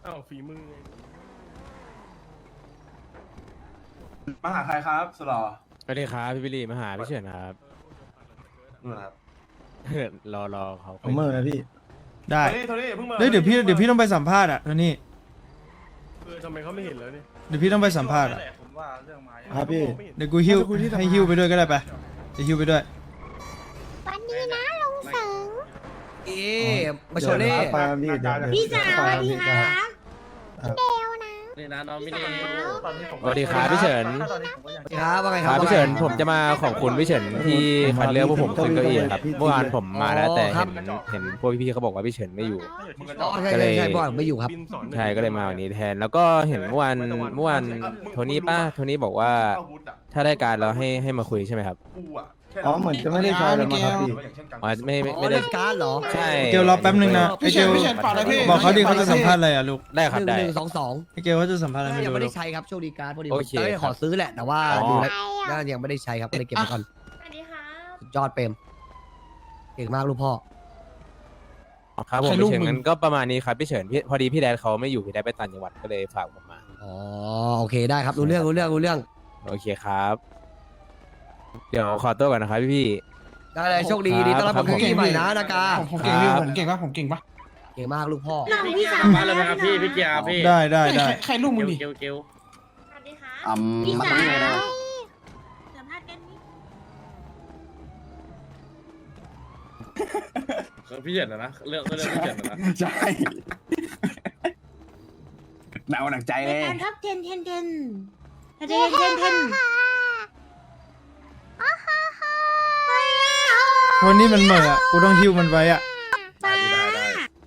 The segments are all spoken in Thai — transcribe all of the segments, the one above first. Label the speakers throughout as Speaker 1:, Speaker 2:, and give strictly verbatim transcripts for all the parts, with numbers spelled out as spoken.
Speaker 1: อ้าวฝีมือไง
Speaker 2: มาหาใครครับสุดหล่อ
Speaker 3: สวัสดีครับพี่บิลลี่มาหาพี่เฉินครับ
Speaker 2: นู่นครับ
Speaker 3: รอรอเขา
Speaker 4: ผมเมื่อนะพี่ ได้
Speaker 2: โทนี่โทนี่เพิ่งมา
Speaker 4: เฮ้ยเดี๋ยวพี่เดี๋ยวพี่ต้องไปสัมภาษณ์อ่ะโทนี่
Speaker 1: เออทำไมเขาไม่เห็นแล้วเนี่ย
Speaker 4: เดี๋ยวพี่ต้องไปสัมภาษณ์อ่ะ
Speaker 2: ผมว่าเรื่องไม้
Speaker 4: ครับพี่
Speaker 1: ไม่เห็น
Speaker 4: เดี๋ยวกูหิ้วให้หิ้วไปด้วยก็ได้ไปจะหิ้วไปด้วย
Speaker 5: วันนี้นะลุงเสิง
Speaker 6: เอ๊ะมาโชว์เล่
Speaker 5: พี่สาวสวัสดีครับเดวนะ
Speaker 7: นี่นะน้องไม่ได้
Speaker 3: สวัสดีครับพี่เฉิน
Speaker 6: ครับว่าไง
Speaker 3: ค
Speaker 6: ครั
Speaker 3: รั
Speaker 6: บบ
Speaker 3: พี่เฉินผมจะมาขอบคุณพี่เฉินที่คัดเลือกพวกผมขึ้นเก้าอี้ครับเมื่อวานผมมาแล้วแต่เห็นเห็นพวกพี่ๆเขาบอกว่าพี่เฉินไม่อยู่
Speaker 6: อ๋อใช่ใช่ใช่บอยไม่อยู่ครับ
Speaker 1: บินสอน
Speaker 3: ใช่ก็เลยมาวันนี้แทน แล้วก็เห็นเมื่อวานเมื่อวานโทนี่ป้าโทนี่บอกว่าถ้าได้การเราให้ให้มาคุยใช่ไหมครับ
Speaker 2: กูอ่ะ
Speaker 4: อ๋อเหมือนจะไม่ได้ใช้แล้วมั้งครับพี่
Speaker 3: อ๋อไม่ไม่
Speaker 6: อ๋อ
Speaker 3: ไม่ได้
Speaker 6: เล่นการ์ดเหรอ
Speaker 3: ใช่
Speaker 4: เกลรอแป๊บนึงนะไอเกลบอกเขาดิเขาจะสัมภาษณ์อะไรอ่ะลูก
Speaker 3: ได้ครับ
Speaker 6: หนึ่ง
Speaker 3: ได้
Speaker 6: หนึ่งสองสอง
Speaker 4: ไอเกลเขาจะสัมภาษณ์อะไรไม่
Speaker 6: ยัง
Speaker 4: รู้
Speaker 6: ไม่
Speaker 4: ลู
Speaker 6: ได้
Speaker 4: ก
Speaker 6: ใช้ครับโชคดีการ์ดพอดี
Speaker 3: โอเค
Speaker 6: ผมจะขอซื้อแหละแต่ว่า
Speaker 3: อ๋อ
Speaker 6: ดู
Speaker 5: ใค
Speaker 6: แล้ว
Speaker 5: รอ่ะ
Speaker 6: น่ายังไม่ได้ใช้ครับก็เลยเก็บไว้ก่อน
Speaker 5: สวัสดีครับ
Speaker 6: สุดยอดเปรมเก่งมากลูกพ่อ
Speaker 3: ครับผมพี่เฉินงั้นก็ประมาณนี้ครับพี่เฉินพี่พอดีพี่แดนเขาไม่อยู่พี่แดนไปต่างจังหวัดก็เลยฝากผมมา
Speaker 6: อ๋อโอเคได้ครับรู้เรื่องรู้เรื่องรู้เรื่อง
Speaker 3: โอเคครับ เดี๋ยวขอตัวก่อนนะครับพี่พี่
Speaker 6: ได้เลยโชคดีดีต้อนรับ
Speaker 3: ครับ
Speaker 6: ผมที่ใหม่นะนากา
Speaker 4: ผมเก่งพี่ผมเก่งปะผมเก่งปะ
Speaker 6: เก่งมากลูกพ่อ
Speaker 5: น้องพี่สาว
Speaker 7: มาเลยนะครับพี่พี่เกียร์พี่
Speaker 4: ได้ได้ได้
Speaker 7: ใครลูกมึงดิเกลเกล
Speaker 5: สวัสดีครับ
Speaker 8: อืม
Speaker 5: พี่
Speaker 8: มัน
Speaker 5: สา
Speaker 8: ต้องยังไงนะ
Speaker 5: วสัมภาษณ์กันนิด
Speaker 7: พี่เฉินนะนะเรื่องเรื่องพี่เฉินนะ
Speaker 8: ใช่หนาวหนักใจ
Speaker 5: ใน
Speaker 8: เลย
Speaker 5: การท็อปเทนเทนเทนเทนเทนเทนเทน
Speaker 4: โทนี่มันเหม่ออ่ะกูต้องหิ้วมันไว้อ่ะ
Speaker 5: ป้า
Speaker 7: ได้ได้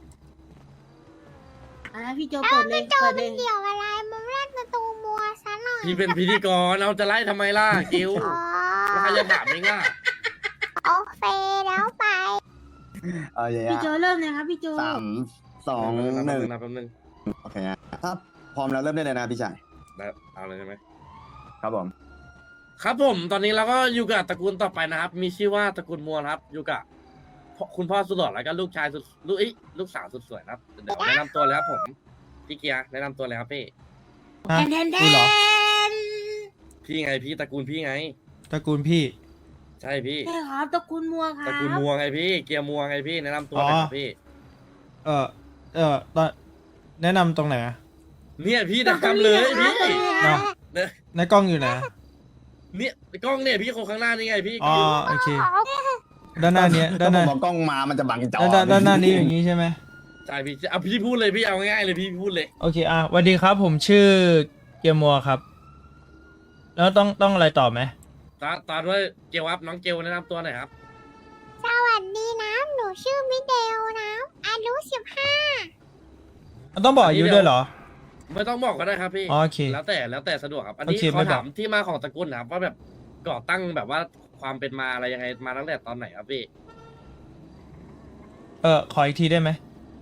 Speaker 5: อ่ะพี่โจเปิดเลยเปิดเลยเกี่ยวอะไรมึงเล่นประตูมัวซะหน่อย
Speaker 7: พี่เป็นพิธีกรเอาจะไล่ทำไมล่ะเกล
Speaker 5: อ๋อ
Speaker 7: แล้วใครจะถามเองล่ะ
Speaker 5: โอเคแล้วไป
Speaker 8: เออเดี๋ยว
Speaker 5: พี่โจเริ่มเลยครับพี่โจ
Speaker 8: สามสองหนึ่ง
Speaker 7: นะแป๊บนึง
Speaker 8: โอเคฮะถ้าพร้อมแล้วเริ่มได้เลยนะพี่ชาย
Speaker 7: ได้เอาเลยใช่ไหม
Speaker 8: ครับผม
Speaker 7: ครับผมตอนนี้เราก็อยู่กับตระกูลต่อไปนะครับ มีชื่อว่าตระกูลมัวครับ อยู่กับพ่อคุณพ่อสุดหล่อแล้วก็ลูกชายสุดลูกเอ้ยลูกสาวสุดสวยนะครับเดี๋ยวแนะนำตัวเลยครับผมพี่เกียร์แนะนำตัวเลยครับพี่
Speaker 4: ฮะ
Speaker 5: เทนเทนเท
Speaker 4: กูเหรอ
Speaker 5: น
Speaker 7: พี่ไงพี่ตระกูลพี่ไง
Speaker 4: ตระกูลพี่
Speaker 7: ใช่พี่
Speaker 5: ใช่ครับตระกูลมัวครั
Speaker 7: ตระ
Speaker 5: บ
Speaker 7: กูลมัวไงพี่เกียร์มัวไงพี่แนะนำตัวเลยครับพี่
Speaker 4: เออเออตอนแนะนำตรงไหนอะ
Speaker 7: เนี่ยพี่แนะนำเลยพี่
Speaker 4: เนาะ
Speaker 7: เนี่ย
Speaker 4: ในกล้องอยู่ไหน
Speaker 7: เนี่ยกล้องเนี่ยพี่คนข้างหน้านี่ไงพี่
Speaker 4: อ๋อโอเค ด้านหน้าเนี้ยด้า
Speaker 8: ถ้าน
Speaker 4: ห
Speaker 8: ผม
Speaker 4: น้า
Speaker 8: เอากล้องมามันจะบังจอ
Speaker 4: ด้านด้านด้านหน้านี้อย่างนี้ใช่ไหม
Speaker 7: ใช่พี่เอาพี่พูดเลยพี่เอาง่ายๆเลยพี่พูดเลย
Speaker 4: โอเคอ่ะสวัสดีครับผมชื่อเกียร์มัวครับ แล้วต้องต้องอะไรต่อไหม
Speaker 7: ตอนตอนว่าเกลครับน้องเกลแนะนำตัวหน่อยครับ
Speaker 5: สวัสดีนะหนูชื่อมิเดลนะอายุสิบห้า
Speaker 4: ต้องบอกอายุด้วยเหรอ
Speaker 7: ไม่ต้องบอกก็ได้ครับพี่
Speaker 4: อ๋อโอเค
Speaker 7: แล้วแต่แล้วแต่สะดวกครับ อันนี้
Speaker 4: โอเค
Speaker 7: ข
Speaker 4: ไม่
Speaker 7: อ
Speaker 4: บอก
Speaker 7: ถามที่มาของตระกูลนะครับว่าแบบก่อตั้งแบบว่าความเป็นมาอะไรยังไงมาตั้งแต่ตอนไหนครับพี่
Speaker 4: เออขออีกทีได้ไหม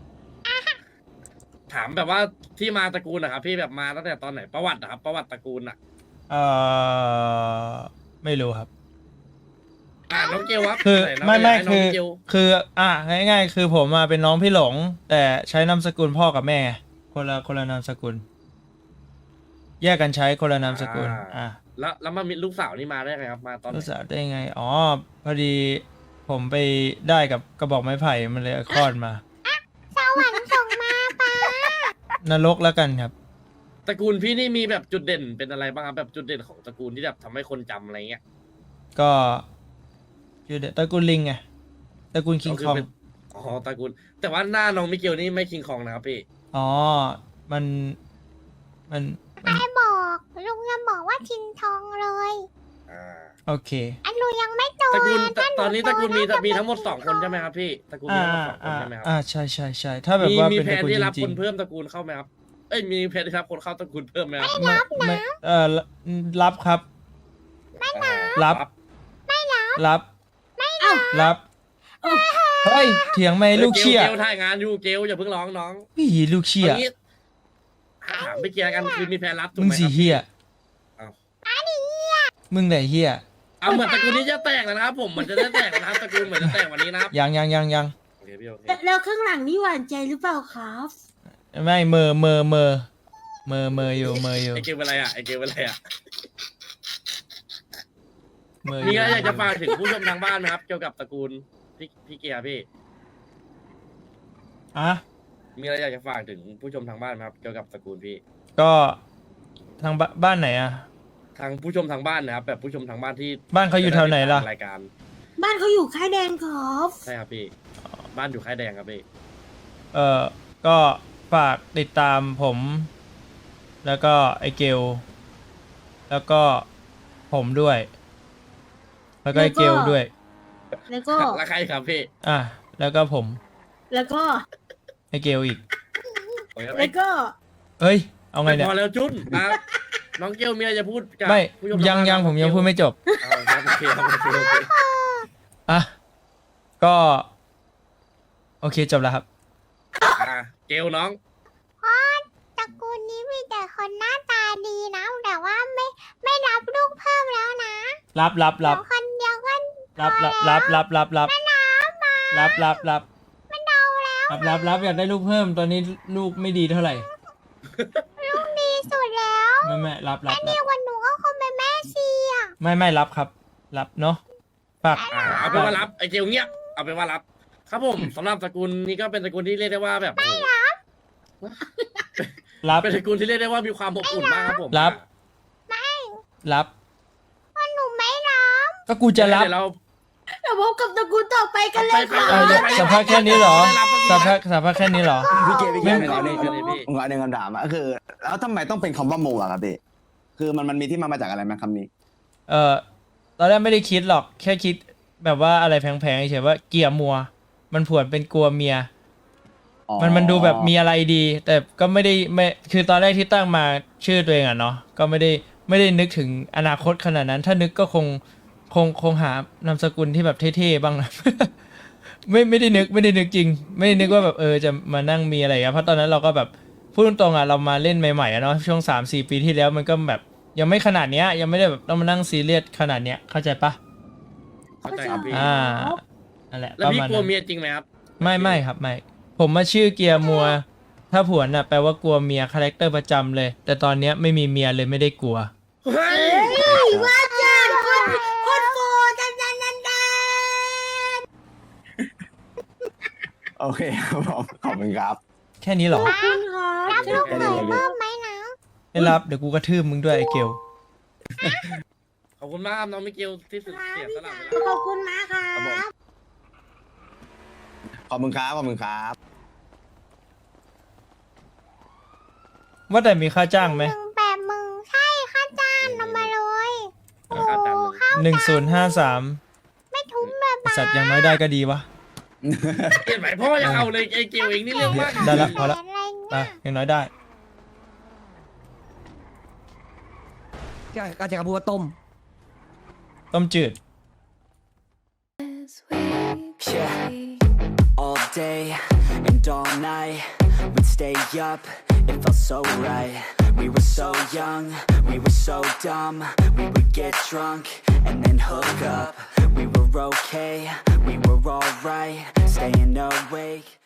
Speaker 7: ถามแบบว่าที่มาตระกูลนะครับพี่แบบมาตั้งแต่ตอนไหนประวัตินะครับประวัติตระกูลอ่ะ
Speaker 4: เออไม่รู้ครับ
Speaker 7: อ่าน้องเกลครับ
Speaker 4: คือ
Speaker 7: หนน้ง
Speaker 4: ไม่ไม่
Speaker 7: ให้น้ง
Speaker 4: คือ
Speaker 7: เกล
Speaker 4: คืออ่ะง่ายๆ คือผมมาเป็นน้องพี่หลง แต่ใช้นามสกุลพ่อกับแม่ คนละคนละนามสกุล แยกกันใช้คนละนามสกุล อ่ะ
Speaker 7: แล้วแล้วมามีลูกสาวนี่มาได้ไงครับมาตอนไหน
Speaker 4: รู้สึกได้ไงอ๋อพอดีผมไปได้กับกระบอกไม้ไผ่มันเลยคลอดมา
Speaker 5: สวรรค์ส่งมาป้าน
Speaker 4: รกแล้วกันครับ
Speaker 7: ตระกูลพี่นี่มีแบบจุดเด่นเป็นอะไรบ้างครับแบบจุดเด่นของตระกูลที่แบบทำให้คนจำอะไรเงี้ย
Speaker 4: ก็ชื่อเด็ดตระกูลลิงไงตระกูลคิงคอง
Speaker 7: เป็นอ๋อตระกูลแต่ว่าหน้าน้องมิเกลนี่ไม่คิงคองนะครับพี่
Speaker 4: อ๋อ มันมันมัน
Speaker 5: ไม่บอกลุงยังบอกว่าทินทองเลย
Speaker 7: อ่า
Speaker 4: โอเค
Speaker 5: อันลุงยังไม่โต
Speaker 7: ตระกูล
Speaker 5: เลยถ้าห
Speaker 7: ตอนนี้ตระกูลมี
Speaker 5: โตน่าจะ
Speaker 7: มีทั้งหมด
Speaker 5: เป็น
Speaker 7: สองคนใช่ไหมครับพี่ตระกูลมี
Speaker 4: อ่า
Speaker 7: ทั้งหมดสองคน
Speaker 4: อ่า
Speaker 7: ใช่ไหมครับ
Speaker 4: อ่าใช่ใช่ใช่ถ้าแบบ
Speaker 7: มี
Speaker 4: ว่า
Speaker 7: มี
Speaker 4: เป็น
Speaker 7: แผ
Speaker 4: ตระ
Speaker 7: น
Speaker 4: กูล
Speaker 7: ที่
Speaker 4: จ
Speaker 7: รับ
Speaker 4: ริ
Speaker 7: ค
Speaker 4: ง
Speaker 7: นเพิ่มตระกูลเข้าไหมครับเอ้ยมีแผนที่รับคนเข้าตระกูลเพิ่มไหมครับ
Speaker 4: ๆไม่ไม่เออรับครับ รับ รับ รับเฮ้ยเถียงไม่ลูกเชี่ย
Speaker 7: เกลถ่ายงานอยู่เกลอย่าเพิ่งร้องน้อง
Speaker 4: พี่ลูกเชี่ย
Speaker 7: อางี้ถามไปเกียร์กันคือมีแผนรับถูก
Speaker 4: มึง
Speaker 7: ไหมค
Speaker 4: สี
Speaker 7: รับ
Speaker 4: เฮีย
Speaker 7: อ้าว
Speaker 4: มึงไหนเฮีย
Speaker 7: เอาเหมือนตระกูลนี้จะแตกแล้วนะครับผมเหมือนจะได้แตกแล้วนะครับตระกูลเหมือนจะแตกวันนี้นะครับ
Speaker 4: ยังยังยังยัง
Speaker 7: โอเคพี่โอเค
Speaker 5: แล้วข้างหลังนี่หวานใจหรือเปล่าครับ
Speaker 4: ไม่เมอเมอเมอเมอเมออยู่เมออยู่
Speaker 7: ไอเกลเป็นไรอ่ะไอเกลเป็นไรอ่ะ
Speaker 4: เมอ
Speaker 7: มีอะไรอยากจะฝากถึงผู้ชมทางบ้านไหมครับ เกี่ยวกับตระกูลพี่พี่เกียร์พี่
Speaker 4: อ่ะ
Speaker 7: มีอะไรอยากจะฝากถึงผู้ชมทางบ้านไหมครับ เกี่ยวกับตระกูลพี่
Speaker 4: ก็ทางบบ้านไหนอ่ะ
Speaker 7: ทางผู้ชมทางบ้านนะครับ แบบผู้ชมทางบ้านที่
Speaker 4: บ้านเขาอยู่แถวไหนล่ะ
Speaker 7: รายการ
Speaker 5: บ้านเขาอยู่ค่ายแดงครับ
Speaker 7: ใช่ครับพี่ บ้านอยู่ค่ายแดงครับพี่
Speaker 4: เออก็ฝากติดตามผม แล้วก็ไอเกล แล้วก็ผมด้วย แล้วก็ไอเกลด้วย
Speaker 5: แล้วก็
Speaker 7: แล้วใครครับพี่
Speaker 4: อ่ะ แล้วก็ผม
Speaker 5: แล้วก็
Speaker 4: ไอเกลอีก
Speaker 7: โอ้ย
Speaker 5: แล้วก็
Speaker 4: เฮ้ย เอาไงเนี่ย
Speaker 7: พอแล้วจุนอ่ะน้องเกลมีอะไรจะพูดกับ
Speaker 4: ไม่
Speaker 7: ผู้ชม
Speaker 4: ยังยังผมยังพูดไม่จบ
Speaker 7: เอาครับโอเคครับโอเคโอเค
Speaker 4: อ่ะ ก็ โอเคจบแล้วครับ
Speaker 7: อ่ะเกลน้อง
Speaker 5: ตระกูลนี้มีแต่คนหน้าตาดีนะแต่ว่าไม่ไม่รับลูกเพิ่มแล้วนะ
Speaker 4: รับรับรับ
Speaker 5: เดี๋ยวคนเดียวก็
Speaker 4: รับรับรับรับรับรับรับรับรับ
Speaker 5: มันเอาแล้ว
Speaker 4: รับรับรับอยากได้ลูกเพิ่มตอนนี้ลูกไม่ดีเท่าไหร่
Speaker 5: ลูกดีสุดแล้ว
Speaker 4: ไม่ไม่รับรับ
Speaker 5: แม่
Speaker 4: รั
Speaker 5: ดี
Speaker 4: บ
Speaker 5: กว่าหนูก็คงเป็นแม่ชีอ่ะ
Speaker 4: ไม่ไม่รับครับ รับเนาะฝาก
Speaker 7: อ่าเอาเป็นว่ารับไอเกลเงียบเอาเป็นว่ารับ ครับผมสำหรับตระกูลนี้ก็เป็นตระกูลที่เรียกได้ว่าแบบไม่รับ
Speaker 4: รับ
Speaker 7: เป็นตระกูลที่เรียกได้ว่ามีความอบอุ่นมากครับผม
Speaker 4: รับ รับ
Speaker 5: ว่าหนูไม่รับ
Speaker 4: ก็กูจะรับ
Speaker 7: เดี๋ยวเรา
Speaker 5: เดี๋ยวพบกับตระกูลต่อไปกันเลย
Speaker 7: ไป
Speaker 5: ค่ะ
Speaker 4: เออเดี๋ยวสัมภาษณ์แค่นี้เหรอสัมภาษณ์สัมภาษณ์แค่นี้เหรอ
Speaker 8: พี่เกพี่เก
Speaker 4: ไม่
Speaker 8: ผมเอาหนึ่ง
Speaker 7: ไม่ไม่
Speaker 8: ผมเอาหนึ่งคำถามอะก็คือ แล้วทำไมต้องเป็นคำว่าโมอะครับพี่คือมันมันมีที่มามาจากอะไรไหมคำนี้
Speaker 4: เออตอนแรกไม่ได้คิดหรอกแค่คิดแบบว่าอะไรแพงๆเฉยๆว่าเกียร์มัว มันผวนเป็นกลัวเมีย
Speaker 8: อ๋อ
Speaker 4: มันมันดูแบบมีอะไรดี แต่ก็ไม่ได้ไม่คือตอนแรกที่ตั้งมาชื่อตัวเองอะเนาะก็ไม่ได้ไม่ได้นึกถึงอนาคตขนาดนั้น ถ้านึกก็คงคงคงหานามสกุลที่แบบเท่ๆบ้างนะ ไม่ไม่ได้นึกไม่ได้นึกจริง ไม่ได้นึกว่าแบบเออจะมานั่งมีอะไรอะเพราะตอนนั้นเราก็แบบพูดตรงๆอะเรามาเล่นใหม่ๆอะเนาะช่วงสามสี่ปีที่แล้วมันก็แบบยังไม่ขนาดเนี้ยยังไม่ได้แบบต้องมานั่งซีเรียสขนาดเนี้ยเข้าใจปะ
Speaker 7: เข้าใจครับพี่
Speaker 4: อ่านั่นแหละ
Speaker 7: แล้ว
Speaker 4: ประ
Speaker 7: พี่
Speaker 4: มาณ
Speaker 7: กลัว
Speaker 4: นั้น
Speaker 7: เมียจริงไหมครับ
Speaker 4: ไม่ไม่ครับไม่ ผมมาชื่อเกียร์มัว ถ้าผวนน่ะแปลว่ากลัวเมียคาแรคเตอร์ประจำเลย แต่ตอนเนี้ยไม่มีเมียเลยไม่ได้กลัว
Speaker 7: เฮ้ย
Speaker 5: ว่าจันคนคนโฟจันจันจันจัน
Speaker 8: โอเคครับผมขอบคุณครับ
Speaker 4: แค่นี้เหรอ
Speaker 5: ขอบคุณครับรับลูกเขยเพิ่มไหมนะ
Speaker 4: ไม่รับเดี๋ยวกูกระทืบมึงด้วยไอ้เกล
Speaker 7: ขอบคุณมากครับน้องมิเกลที่สุดเสียสละเวลา
Speaker 5: ขอบคุณมากครับ
Speaker 8: ขอบคุณครับขอบคุณครับ
Speaker 4: ว่าแต่มีค่าจ้างไหม
Speaker 5: หนึ่งแปดหมื่นใช่ค่าจ้างนำมาเลยโอ้
Speaker 7: ค่าจ้างเลย
Speaker 5: ข้าว
Speaker 4: หนึ่งศูนย์ห้าสาม
Speaker 5: ไม่ทุ้มแบบ
Speaker 4: สัตว์อย่างน้อยได้ก็ดีวะ
Speaker 7: เปลี่ยนไหมพ่อยังเอาเลยไอเกลเองนี่เรื่องมาก
Speaker 4: ได้ละพอละ
Speaker 5: อะไร
Speaker 4: ไป
Speaker 5: เงี้ย
Speaker 4: อย่างน้อยได้
Speaker 6: ก็จะกระพูดว่าต้ม
Speaker 4: ต้มจืด
Speaker 9: Yeah, all day and all night, we'd stay up, it felt so right. We were so young, we were so dumb, we would get drunk and then hook up. We were okay, we were alright, staying awake.